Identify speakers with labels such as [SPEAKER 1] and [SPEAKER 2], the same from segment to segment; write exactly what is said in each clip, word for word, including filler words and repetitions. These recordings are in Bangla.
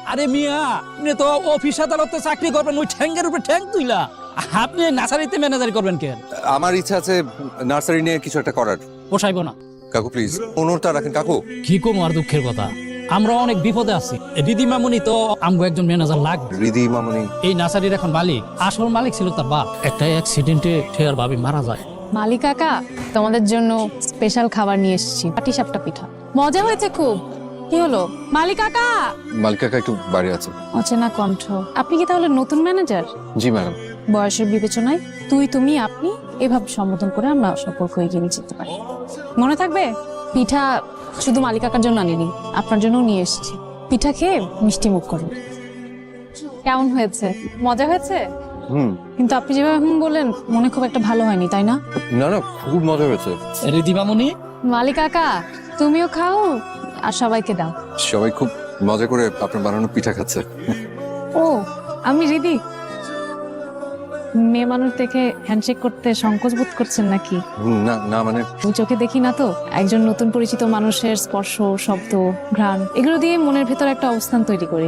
[SPEAKER 1] আরে মিয়া, আপনি তো অফিস আদালতে চাকরি করবেন, ওই ঠ্যাঙ্গের উপরে ঠ্যাং তুইলা আপনি নার্সারিতে ম্যানেজারি করবেন কেন?
[SPEAKER 2] আমার ইচ্ছা আছে নার্সারি নিয়ে কিছু একটা করার।
[SPEAKER 1] পোষাইব না।
[SPEAKER 2] কাকু প্লিজ অনুরটা রাখেন কাকু।
[SPEAKER 1] কি কম আর দুঃখের কথা, আমরা অনেক বিপদে আছি। রিদি মামুনি তো আমগো একজন ম্যানেজার লাগবে।
[SPEAKER 2] রিদি মামুনি
[SPEAKER 1] এই নার্সারির এখন মালিক, আসল মালিক ছিল তার বাপ। একটা অ্যাক্সিডেন্টে ঠেয়ার ভাবি মারা যায়।
[SPEAKER 3] মালিক কাকা, তোমাদের জন্য স্পেশাল খাবার নিয়ে এসেছি, পাটিসাপটা পিঠা। মজা হয়েছে খুব। কি হলো মালিক কাকা?
[SPEAKER 2] মালিক কাকা একটু বাইরে আছে।
[SPEAKER 3] অচেনা কণ্ঠ। আপনি কি তাহলে নতুন ম্যানেজার?
[SPEAKER 2] জি ম্যাডাম।
[SPEAKER 3] বয়সের বিবেচনায় তুই তুমি আপনি এভাবে সম্বোধন করে আমরা সম্পর্ক এগিয়ে নিয়ে যেতে পারি। মনে থাকবে? পিঠা শুধু মালিক কাকার জন্য আনিনি, আপনার জন্য নিয়ে এসেছি। পিঠা খেয়ে মিষ্টি মুখ করুন। কেমন হয়েছে? মজা হয়েছে?
[SPEAKER 2] হুম।
[SPEAKER 3] কিন্তু আপনি যেভাবে হুম বললেন, মনে খুব একটা ভালো হয়নি, তাই না?
[SPEAKER 2] না না, খুব মজা হয়েছে।
[SPEAKER 1] রিদি মামুনি,
[SPEAKER 3] মালিক কাকা তুমিও খাও আর সবাইকে দাও।
[SPEAKER 2] সবাই খুব মজা করে আপনার বানানো পিঠা খাচ্ছে।
[SPEAKER 3] ও, আমি রিদি। মেয়ে মানুষ দেখে হ্যান্ডশেক করতে সংকোচ বোধ করছেন নাকি?
[SPEAKER 2] হুম, না না মানে
[SPEAKER 3] আমি চোখে দেখি না তো। একজন নতুন পরিচিত মানুষের স্পর্শ, শব্দ, ঘ্রাণ এগুলো দিয়ে মনের ভেতর একটা অবস্থান তৈরি করি।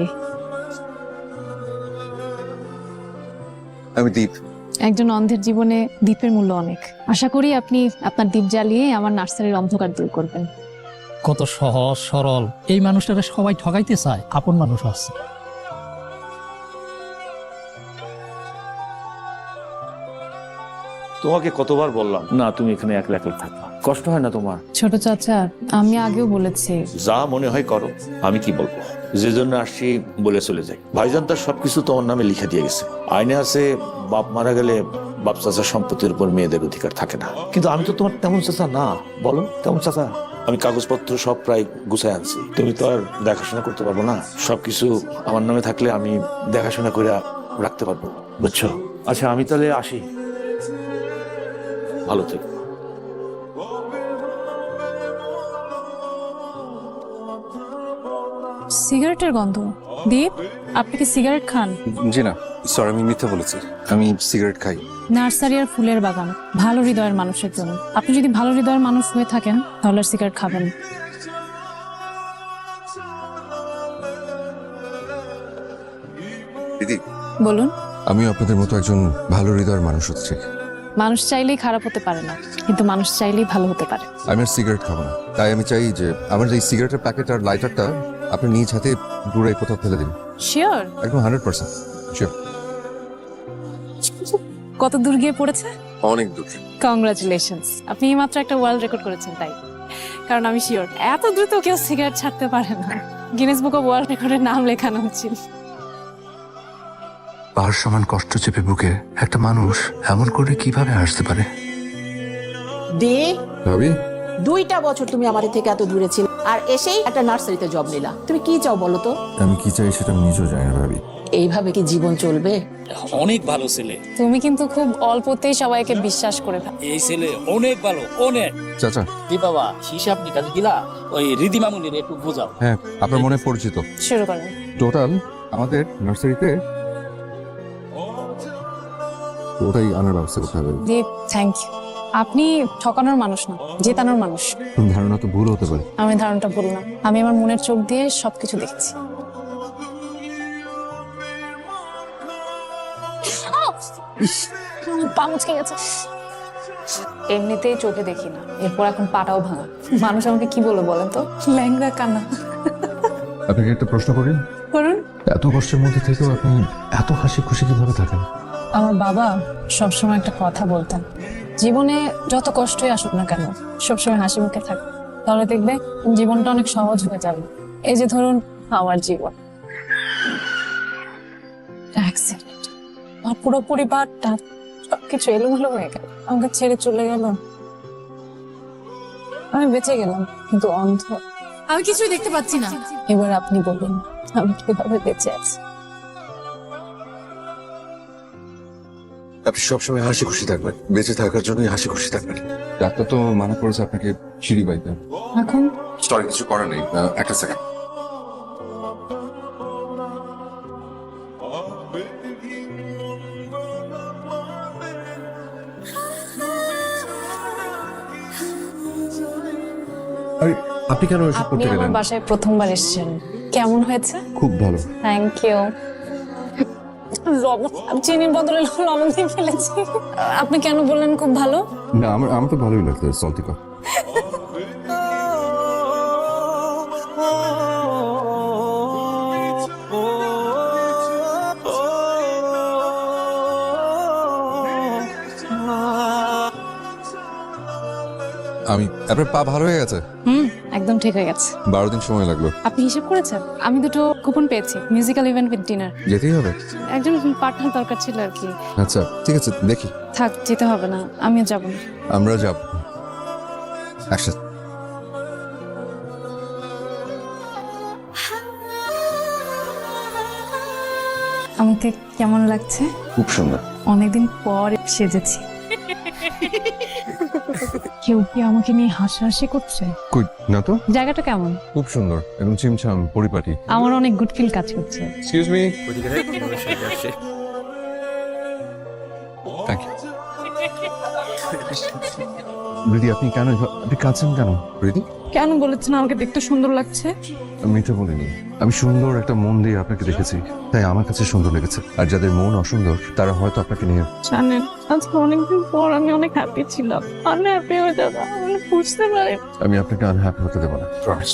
[SPEAKER 2] আমি দীপ।
[SPEAKER 3] একজন অন্ধের জীবনে দ্বীপের মূল্য অনেক। আশা করি আপনি আপনার দ্বীপ জ্বালিয়ে আমার নার্সারির অন্ধকার দূর করবেন।
[SPEAKER 1] কত সহজ সরল। এই মানুষটারে সবাই ঠগাইতে চায়, আপন মানুষ আছে।
[SPEAKER 4] তোমাকে কতবার বললাম না তুমি এখানে একলা একলা থাকবা, কষ্ট হয় না তোমার?
[SPEAKER 3] ছোট চাচা, আমি আগেও বলেছি।
[SPEAKER 4] যা মনে হয় করো, আমি কি বলবো? যে জন্য আসছি বলে চলে যাই। ভাইজান তার সবকিছু তোমার নামে লিখে দিয়ে গেছে। আইনে আছে বাপ মারা গেলে বাপ চাচার সম্পত্তির উপর মেয়েদের অধিকার থাকে না। কিন্তু আমি তো তোমার তেমন চাচা না, বলো তেমন চাচা। আমি কাগজপত্র সব প্রায় গুছাই আনছি। তুমি তো আর দেখাশোনা করতে পারবো না। সবকিছু আমার নামে থাকলে আমি দেখাশোনা করে রাখতে পারবো, বুঝছো? আচ্ছা আমি তাহলে আসি, ভালো থেকো।
[SPEAKER 3] সিগারেটের গন্ধ। দীপ, আপনি কি সিগারেট খান?
[SPEAKER 2] জি না, সরি আমি মিথ্যা বলেছি। আমি সিগারেট খাই।
[SPEAKER 3] নার্সারি আর ফুলের বাগান ভালো হৃদয়ের মানুষের জন্য। আপনি যদি ভালো হৃদয়ের মানুষ হয়ে থাকেন তাহলে আর সিগারেট খাবেন।
[SPEAKER 2] দিদি,
[SPEAKER 3] বলুন।
[SPEAKER 2] আমিও আপনাদের মতো একজন ভালো হৃদয়ের মানুষ হচ্ছে।
[SPEAKER 3] মানুষ চাইলেই খারাপ হতে পারে না, কিন্তু মানুষ চাইলেই ভালো হতে পারে।
[SPEAKER 2] আমি আর সিগারেট খাবো না, তাই আমি চাই যে আমার এই সিগারেটের প্যাকেট আর লাইটারটা আপনি নিজ হাতে দূরে কোথাও ফেলে দিন।
[SPEAKER 3] শিওর?
[SPEAKER 2] একদম হান্ড্রেড পার্সেন্ট শিওর।
[SPEAKER 3] কত দূর গিয়ে পড়েছে?
[SPEAKER 2] অনেক দূর।
[SPEAKER 3] কংগ্রাচুলেশনস, আপনি মাত্র একটা ওয়ার্ল্ড রেকর্ড করেছেন। তাই কারণ আমি শিওর এত দ্রুত কেউ সিগারেট ছাড়তে পারে না। গিনেস বুক অফ ওয়ার্ল্ড রেকর্ডের নাম লেখানো উচিত।
[SPEAKER 5] পাহাড় সমান কষ্ট চেপে বুকে একটা মানুষ এমন করে কিভাবে আসতে পারে?
[SPEAKER 6] দে
[SPEAKER 2] ভাবি,
[SPEAKER 6] দুইটা বছর তুমি আমাদের থেকে এত দূরে ছিলে, আর এসেই একটা নার্সারিতে জব নিলা। তুমি কি চাও বলো তো?
[SPEAKER 2] আমি কি চাই সেটা আমি নিজেও জানি না ভাবি।
[SPEAKER 6] এইভাবে কি জীবন চলবে?
[SPEAKER 1] অনেক ভালো ছেলে।
[SPEAKER 3] তুমি কিন্তু খুব অল্পতেই সবাইকে বিশ্বাস করে থাকো।
[SPEAKER 1] এই ছেলে অনেক ভালো, অনেক।
[SPEAKER 2] চাচা।
[SPEAKER 1] দি বাবা, হিসাব নিকাশ দিলা ওই রিদি মামুনির একটু বোঝাও।
[SPEAKER 2] হ্যাঁ, আপনার মনে পরিচিত।
[SPEAKER 3] শুরু করেন।
[SPEAKER 2] টোটাল আমাদের নার্সারিতে ওটাই আনার ব্যবস্থা করতে হবে।
[SPEAKER 3] Deep, thank you. আপনি ঠকানোর মানুষ না, জেতানোর মানুষ।
[SPEAKER 2] ধারণা তো ভুল হতে পারে।
[SPEAKER 3] আমি ধারণাটা বললাম, আমি আমার মনের চোখ দিয়ে সবকিছু দেখছি। পা মুচকে গেছে। এমনিতেই চোখে দেখি না, এরপর এখন পাটাও ভাঙা। মানুষ আমাকে কি বলে বলেন তো? ল্যাংড়া কানা।
[SPEAKER 2] আপনাকে একটা প্রশ্ন করি।
[SPEAKER 3] করুন।
[SPEAKER 2] এত কষ্টের মধ্যে থেকেও আপনি এত হাসি খুশি কিভাবে থাকেন?
[SPEAKER 3] আমার বাবা সবসময় একটা কথা বলতেন, জীবনে যত কষ্টই আসুক না কেন সবসময় হাসি মুখে থাক, তাহলে দেখবে জীবনটা অনেক সহজ হয়ে যাবে। এই যে ধরুন আমার জীবন, অ্যাক্সিডেন্ট, আমার পুরো পরিবারটা সবকিছু এলোমেলো হয়ে গেল, আমাকে ছেড়ে চলে গেল। আমি বেঁচে গেলাম কিন্তু অন্ধ,
[SPEAKER 7] আমি কিছুই দেখতে পাচ্ছি না।
[SPEAKER 3] এবার আপনি বলুন আমি কিভাবে বেঁচে আছি?
[SPEAKER 2] আপনি সবসময় হাসি খুশি থাকবেন, বেঁচে থাকার জন্যই হাসি খুশি থাকবেন। ডাক্তার তো মানা করেছে আপনাকে সিঁড়ি বাইতে।
[SPEAKER 3] এখন
[SPEAKER 2] সরি, কিছু করার নেই। একটা সেকেন্ড। আরে আপনি কেন এসব
[SPEAKER 3] আপনি
[SPEAKER 2] করতে
[SPEAKER 3] আমার
[SPEAKER 2] গেলেন?
[SPEAKER 3] বাসায় প্রথমবার এসেছেন, কেমন হয়েছে?
[SPEAKER 2] খুব ভালো।
[SPEAKER 3] Thank you. লবণ, চিনির বদলে লবণ দিয়ে ফেলেছি। আপনি কেন বললেন খুব ভালো?
[SPEAKER 2] না আমার আমার তো ভালোই লাগতো সল্টিকা। আমি আপনার পা ভালো হয়ে গেছে?
[SPEAKER 3] হুম, একদম ঠিক হয়ে গেছে।
[SPEAKER 2] বারো দিন সময় লাগলো।
[SPEAKER 3] আপনি হিসেব করেছেন? আমি দুটো কুপন পেয়েছি, মিউজিক্যাল ইভেন্ট উইথ ডিনার।
[SPEAKER 2] যেতেই হবে?
[SPEAKER 3] একজন পার্টনার দরকার ছিল আর কি।
[SPEAKER 2] আচ্ছা ঠিক আছে, দেখি।
[SPEAKER 3] থাক, যেতে হবে না, আমিও যাব না।
[SPEAKER 2] আমরা যাব একসাথে।
[SPEAKER 3] আমাকে কেমন লাগছে?
[SPEAKER 2] খুব সুন্দর।
[SPEAKER 3] অনেকদিন পর সেজেছি। কেউ কি আমাকে নিয়ে হাসাহাসি করছে?
[SPEAKER 2] কই না তো।
[SPEAKER 3] জায়গাটা কেমন?
[SPEAKER 2] খুব সুন্দর, একদম চিমছাম পরিপাটি।
[SPEAKER 3] আমার অনেক গুড ফিল কাজ করছে।
[SPEAKER 2] Excuse me. Thank you. দিদি আপনি কেন এভাবে- আপনি কাঁদছেন কেন? দিদি
[SPEAKER 3] কেন বলেছেন আমাকে দেখতে সুন্দর লাগছে?
[SPEAKER 2] আমি মিথ্যে বলিনি, আমি সুন্দর একটা মন দিয়ে আপনাকে দেখেছি, তাই আমার কাছে সুন্দর লেগেছে। আর যাদের মন অসুন্দর তারা হয়তো আপনাকে নিয়ে।
[SPEAKER 3] জানেন, আজকে অনেকদিন পর আমি অনেক হ্যাপি ছিলাম। আনহ্যাপি হয়ে যাবো, আমি বুঝতে পারি।
[SPEAKER 2] আমি আপনাকে আনহ্যাপি হতে দেবো না, প্রমিস।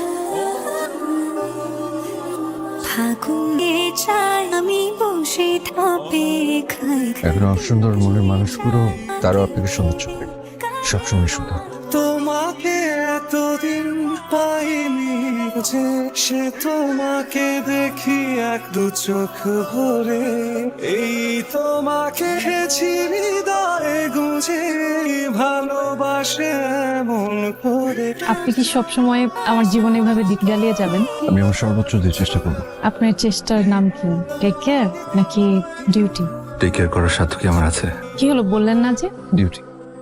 [SPEAKER 8] ফাগুনে চাই আমি বসে ধাপে খাই
[SPEAKER 2] এখন অসুন্দর মনের মানুষগুলো তারাও আপনাকে সুন্দর চোখে, সবসময় সুন্দর।
[SPEAKER 9] তোমাকে এতদিন পাইনি যে সে তোমাকে দেখি এক দু চোখ ভরে, এই তোমাকে খেছি হৃদয়ে গুঁজে ভালোবাসে এমন করে।
[SPEAKER 3] আপনি কি সবসময় আমার জীবনে এভাবে দিক জ্বালিয়ে যাবেন?
[SPEAKER 2] আমি আমার সর্বোচ্চ দিয়ে চেষ্টা করবো।
[SPEAKER 3] আপনার চেষ্টার নাম কি? টেক কেয়ার নাকি ডিউটি?
[SPEAKER 5] টেক কেয়ার করার সাধ্য কি আমার আছে?
[SPEAKER 3] কি হলো, বললেন না যে?
[SPEAKER 2] ডিউটি।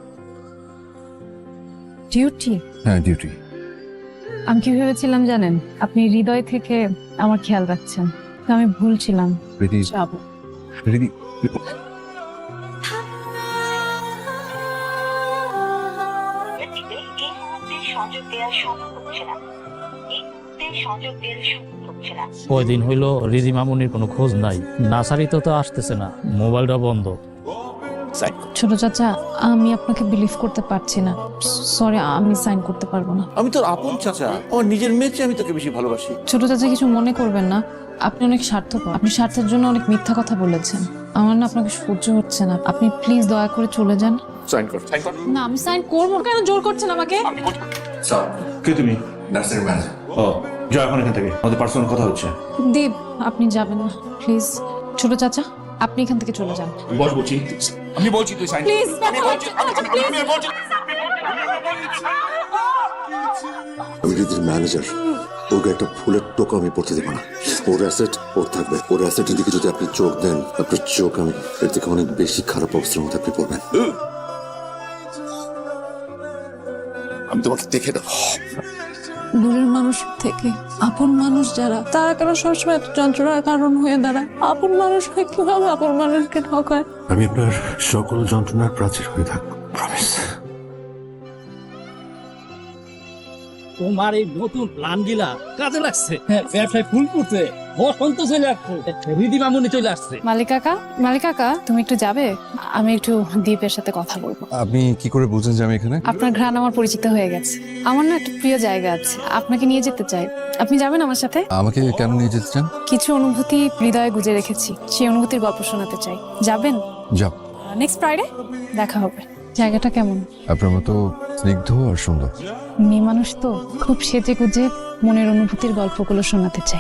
[SPEAKER 3] ডিউটি?
[SPEAKER 2] হ্যাঁ ডিউটি।
[SPEAKER 3] আমি কি ভেবেছিলাম জানেন, আপনি হৃদয় থেকে আমার খেয়াল রাখছেন। তো আমি ভুল ছিলাম।
[SPEAKER 2] দিদি
[SPEAKER 3] যাবো।
[SPEAKER 2] দিদি
[SPEAKER 8] সংযোগ দেওয়া সম্ভব হচ্ছে না, এই মুহূর্তে সংযোগ দেওয়া সম্ভব হচ্ছে না।
[SPEAKER 1] কয়দিন হইলো রিদি মামুনির কোনো খোঁজ নাই, নার্সারিতে তো আসতেছে না, মোবাইলটা বন্ধ।
[SPEAKER 3] ছোট চাচা, আমি আপনাকে বিলিভ করতে পারছি না। সরি, আমি সাইন করতে পারবো না।
[SPEAKER 4] আমি তোর আপন চাচা, আমার নিজের মেয়ের চেয়ে আমি তোকে বেশি ভালোবাসি।
[SPEAKER 3] ছোট চাচা, কিছু মনে করবেন না, আপনি অনেক স্বার্থপর। আপনি স্বার্থের জন্য অনেক মিথ্যা কথা বলেছেন। আমার না আপনাকে সহ্য হচ্ছে না। আপনি প্লিজ দয়া করে চলে যান।
[SPEAKER 4] সাইন কর, সাইন কর।
[SPEAKER 3] না, আমি সাইন করবো কেন? জোর করছেন আমাকে।
[SPEAKER 4] কে তুমি?
[SPEAKER 5] Nursery manager.
[SPEAKER 4] ও যাও এখন এখান থেকে, আমাদের পার্সোনাল কথা হচ্ছে।
[SPEAKER 3] দীপ, আপনি যাবেন না প্লিজ। ছোট চাচা, আপনি এখান থেকে চলে যান
[SPEAKER 4] বস বলছি, আমি বলছি তুই সাইন।
[SPEAKER 3] প্লিজ।
[SPEAKER 10] আমি দিদির ম্যানেজার, ওকে একটা ফুলের টোকা আমি পড়তে দেবো না। ওর অ্যাসেট ওর থাকবে, ওর অ্যাসেটের দিকে যদি আপনি চোখ দেন, আপনার চোখ আমি এর থেকে অনেক বেশি খারাপ অবস্থার মধ্যে আপনি পড়বেন।
[SPEAKER 4] আমি তোমাকে দেখে দেবো।
[SPEAKER 3] দূরের মানুষ থেকে আপন মানুষ যারা, তারা কেন সবসময় এত যন্ত্রণার কারণ হয়ে দাঁড়ায়? আপন মানুষ হয়ে কিভাবে আপন মানুষকে ঠকায়?
[SPEAKER 5] আমি আপনার সকল যন্ত্রণার প্রাচীর হয়ে থাকবো, প্রমিস।
[SPEAKER 1] তোমার এই নতুন প্ল্যান গিলা কাজে লাগছে। হ্যাঁ, ব্যবসায় ফুল করতে বসন্ত চলে আসছে, রিদি মামুনি চলে আসছে।
[SPEAKER 3] মালিক কাকা, মালিক কাকা, তুমি একটু যাবে? আমি একটু দীপের সাথে কথা বলবো।
[SPEAKER 2] আপনি কি করে বুঝেন যে আমি এখানে?
[SPEAKER 3] আপনার ঘ্রাণ আমার পরিচিত হয়ে গেছে। আমার না একটা প্রিয় জায়গা আছে, আপনাকে নিয়ে যেতে চাই। আপনি যাবেন আমার সাথে?
[SPEAKER 2] আমাকে কেন নিয়ে যেতে চান?
[SPEAKER 3] কিছু অনুভূতি হৃদয়ে গুজে রেখেছি, সেই অনুভূতির গল্প শোনাতে চাই। যাবেন?
[SPEAKER 2] যাও।
[SPEAKER 3] নেক্সট ফ্রাইডে দেখা হবে। জায়গাটা কেমন?
[SPEAKER 2] আপনার মতো স্নিগ্ধ আর সুন্দর।
[SPEAKER 3] মেয়ে মানুষ তো, খুব সেজে গুজে মনের অনুভূতির গল্পগুলো শোনাতে চাই।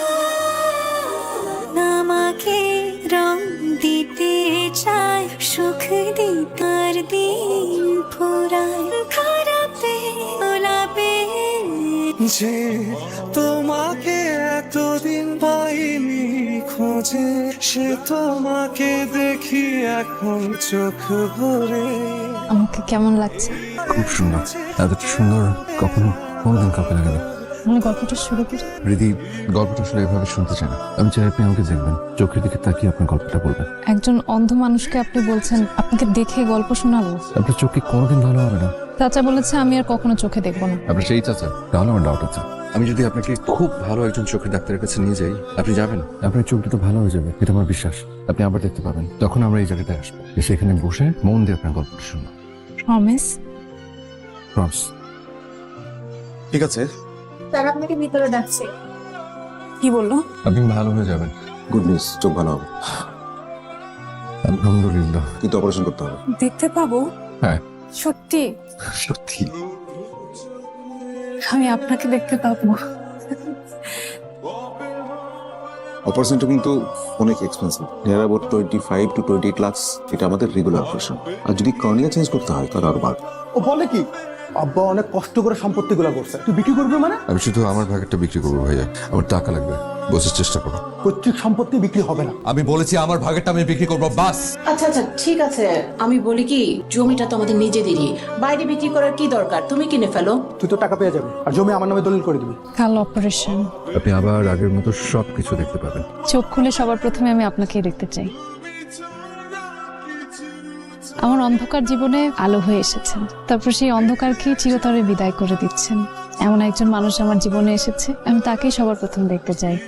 [SPEAKER 8] আমাকে রং দিতে চাই, সুখ দিতার দিন ফুরায় খারাপে গোলাপে।
[SPEAKER 9] যে তোমাকে এতদিন পাইনি খোঁজে, সে তোমাকে দেখি এখন চোখ ভরে।
[SPEAKER 3] আমাকে কেমন লাগছে?
[SPEAKER 2] খুব সুন্দর, এতটা সুন্দর কখনো কোনোদিন কাউকে লাগে না।
[SPEAKER 3] মানে গল্পটা শুরু করি।
[SPEAKER 2] রিদি গল্পটা আসলে এভাবে শুনতে চায় না। আমি চাই আপনি আমাকে দেখবেন, চোখের দিকে তাকিয়ে আপনার গল্পটা বলবেন।
[SPEAKER 3] একজন অন্ধ মানুষকে আপনি বলছেন আপনাকে দেখে গল্প শোনাবো?
[SPEAKER 2] আপনার চোখে কোনোদিন ভালো হবে না।
[SPEAKER 3] চাচা বলেছে আমি আর কখনো চোখে দেখবো না।
[SPEAKER 2] আপনার সেই চাচা? তাহলে আমার ডাউট আছে। আমি যদি আপনাকে খুব ভালো একজন চোখের ডাক্তারের কাছে নিয়ে যাই, আপনি যাবেন? আপনার চোখটা তো ভালো হয়ে যাবে, এটা আমার বিশ্বাস। আপনি আবার দেখতে পাবেন, তখন আমরা এই জায়গাটায় আসবো, এসে এখানে বসে মন দিয়ে আপনার গল্পটা শুনবো।
[SPEAKER 3] প্রমিস?
[SPEAKER 2] প্রমিস। ঠিক আছে,
[SPEAKER 7] তারা আপনাকে ভিতরে ডাকছে। কি বললো?
[SPEAKER 2] আপনি ভালো হয়ে যাবেন।
[SPEAKER 10] গুড নিউজ, চোখ ভালো হবে,
[SPEAKER 2] আলহামদুলিল্লাহ।
[SPEAKER 10] কিন্তু অপারেশন করতে হবে।
[SPEAKER 7] দেখতে পাবো?
[SPEAKER 2] হ্যাঁ।
[SPEAKER 7] সত্যি?
[SPEAKER 2] সত্যি।
[SPEAKER 7] আমি আপনাকে দেখতে পাবো?
[SPEAKER 10] অপারেশনটা কিন্তু অনেক expensive, near about twenty five to twenty eight lakhs. এটা আমাদের রেগুলার অপারেশন, আর যদি কর্নিয়া চেঞ্জ করতে হয় তাহলে আরো বাড়বে।
[SPEAKER 9] ও বলে কি আব্বা অনেক কষ্ট করে সম্পত্তিগুলো করছে, তুই বিক্রি করবি মানে?
[SPEAKER 2] আমি শুধু আমার ভাগেরটা বিক্রি করবো ভাইয়া, আমার টাকা লাগবে, বোঝার চেষ্টা করো।
[SPEAKER 9] পৈতৃক সম্পত্তি বিক্রি হবে না।
[SPEAKER 2] আমি বলেছি আমার ভাগেরটা আমি বিক্রি করবো, বাস।
[SPEAKER 6] আচ্ছা আচ্ছা ঠিক আছে, আমি বলি কি, জমিটা তো আমাদের নিজেদেরই, বাইরে বিক্রি করার কি দরকার, তুমি কিনে ফেলো।
[SPEAKER 9] তুই তো টাকা পেয়ে যাবি, আর জমি আমার নামে দলিল করে দিবি।
[SPEAKER 3] কাল অপারেশন,
[SPEAKER 2] আপনি আবার আগের মতো সবকিছু দেখতে পাবেন।
[SPEAKER 3] চোখ খুলে সবার প্রথমে আমি আপনাকেই দেখতে চাই। আমার অন্ধকার জীবনে আলো হয়ে এসেছেন, তারপর সেই অন্ধকারকে চিরতরে বিদায় করে দিচ্ছেন। এমন একজন মানুষ আমার জীবনে এসেছে, আমি তাকেই সবার প্রথম দেখতে চাই।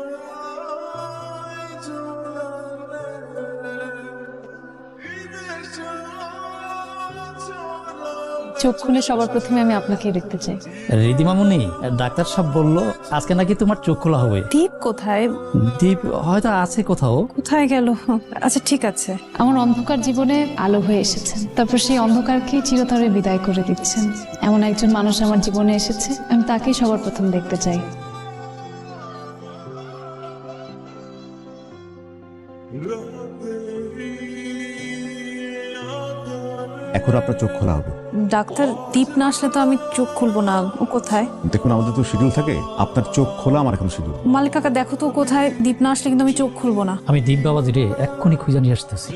[SPEAKER 3] চোখ খুলে সবার প্রথমে আমি আপনাকেই দেখতে চাই।
[SPEAKER 1] রিদিমামুনি, ডাক্তার সাহেব বললো আজকে নাকি তোমার চোখ খোলা হবে।
[SPEAKER 7] দীপ কোথায়?
[SPEAKER 1] দীপ হয়তো আছে কোথাও।
[SPEAKER 7] কোথায় গেল? আচ্ছা ঠিক আছে।
[SPEAKER 3] আমার অন্ধকার জীবনে আলো হয়ে এসেছেন, তারপর সেই অন্ধকারকে চিরতরে বিদায় করে দিচ্ছেন। এমন একজন মানুষ আমার জীবনে এসেছে, আমি তাকেই সবার প্রথম দেখতে চাই।
[SPEAKER 11] এখন আপনার চোখ খোলা হবে।
[SPEAKER 7] ডাক্তার, দীপ না আসলে তো আমি চোখ খুলবো না। ও কোথায়?
[SPEAKER 11] দেখুন, আমাদের তো শিডিউল থাকে, আপনার চোখ খোলা আমার এখন শিডিউল।
[SPEAKER 7] মালিক কাকা দেখো তো কোথায়, দীপ না আসলে কিন্তু আমি চোখ খুলবো না।
[SPEAKER 1] আমি দীপ বাবাজি রে এক্ষুনি খুঁজে নিয়ে আসতেছি।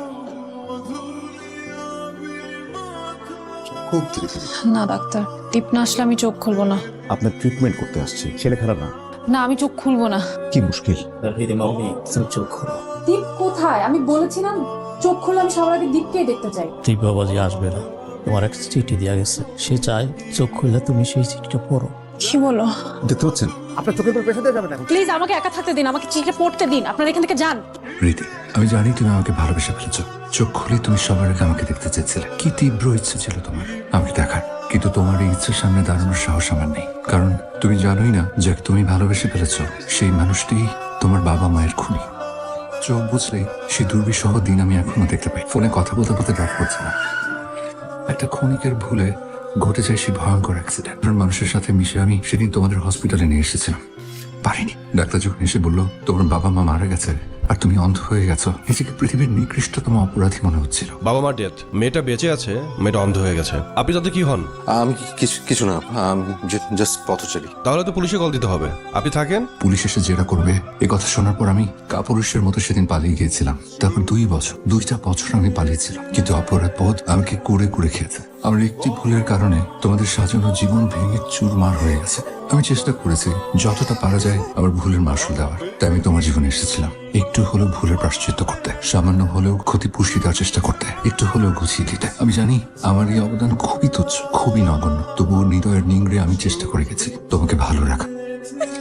[SPEAKER 10] খুব ধীরে ধীরে।
[SPEAKER 3] না ডাক্তার, দীপ না আসলে আমি চোখ খুলবো না।
[SPEAKER 11] আপনার ট্রিটমেন্ট করতে আসছি, ছেলে খারাপ না।
[SPEAKER 3] না, আমি চোখ খুলবো না।
[SPEAKER 11] কি মুশকিল?
[SPEAKER 1] রিদিমামুনি, তুমি চোখ খোলো।
[SPEAKER 3] দীপ কোথায়? আমি বলেছিলাম চোখ খুলে আমি সবার আগে দীপকেই দেখতে চাই।
[SPEAKER 1] দীপ বাবাজি আসবে না, তোমার এক চিঠি দেওয়া গেছে, সে চায় চোখ খুললে তুমি সেই চিঠিটা পড়ো।
[SPEAKER 7] কি বলো?
[SPEAKER 11] দেখতে পাচ্ছেন
[SPEAKER 9] আপনার চোখের উপর প্রেশার দেওয়া যাবে না।
[SPEAKER 3] প্লিজ আমাকে একা থাকতে দিন, আমাকে চিঠিটা পড়তে দিন। আপনারা এখান থেকে যান।
[SPEAKER 5] রীতি, আমি জানি তুমি আমাকে ভালোবেসে ফেলেছ। চোখ খুলে তুমি সবার আগে আমাকে দেখতে চেয়েছিলে। কি তীব্র ইচ্ছে ছিল তোমার আমাকে দেখার, কিন্তু তোমার এই ইচ্ছের সামনে দাঁড়ানোর সাহস আমার নেই। কারণ তুমি জানোই না যে তুমি ভালোবেসে ফেলেছ সেই মানুষটি তোমার বাবা মায়ের খুনি। চোখ বুঝলে সেই দুর্বিষহ দিন আমি এখনো দেখতে পাই। ফোনে কথা বলতে বলতে ডাক পড়ছে না। একটা ক্ষণিকের ভুলে ঘটে যায় সেই ভয়ঙ্কর অ্যাক্সিডেন্ট। মানুষের সাথে মিশে আমি সেদিন তোমাদের হসপিটালে নিয়ে এসেছিলাম, পারিনি। ডাক্তার যখন এসে বললো তোমার বাবা মা মারা গেছে আর তুমি অন্ধ হয়ে গেছো, নিজেকে পৃথিবীর নিকৃষ্টতম অপরাধী মনে হচ্ছিল।
[SPEAKER 12] বাবা মা ডেথ, মেয়েটা বেঁচে আছে, মেয়েটা অন্ধ হয়ে গেছে। আপনি তাতে কি হন?
[SPEAKER 10] আমি কিছু কিছু না, আমি জাস্ট পথচারী।
[SPEAKER 12] তাহলে তো পুলিশে কল দিতে হবে। আপনি থাকেন।
[SPEAKER 5] পুলিশ এসে জেরা করবে এ কথা শোনার পর আমি কাপুরুষের মতো সেদিন পালিয়ে গিয়েছিলাম। তারপর দুই বছর দুইটা বছর আমি পালিয়েছিলাম, কিন্তু অপরাধ পথ আমাকে কুড়ে কুড়ে খেয়েছে। আমার একটি ভুলের কারণে তোমাদের সাজানো জীবন ভেঙে চুরমার হয়ে গেছে। আমি চেষ্টা করেছি যতটা পারা যায় আমার ভুলের মাসুল দেওয়ার, তাই আমি তোমার জীবনে এসেছিলাম একটু হলেও ভুলের প্রায়শ্চিত্ত করতে, সামান্য হলেও ক্ষতি পুষিয়ে দেওয়ার চেষ্টা করতে, একটু হলেও গুছিয়ে দিতে। আমি জানি আমার এই অবদান খুবই তুচ্ছ, খুবই নগণ্য, তবুও হৃদয়ের নিংড়ে আমি চেষ্টা করে গেছি তোমাকে ভালো রাখা।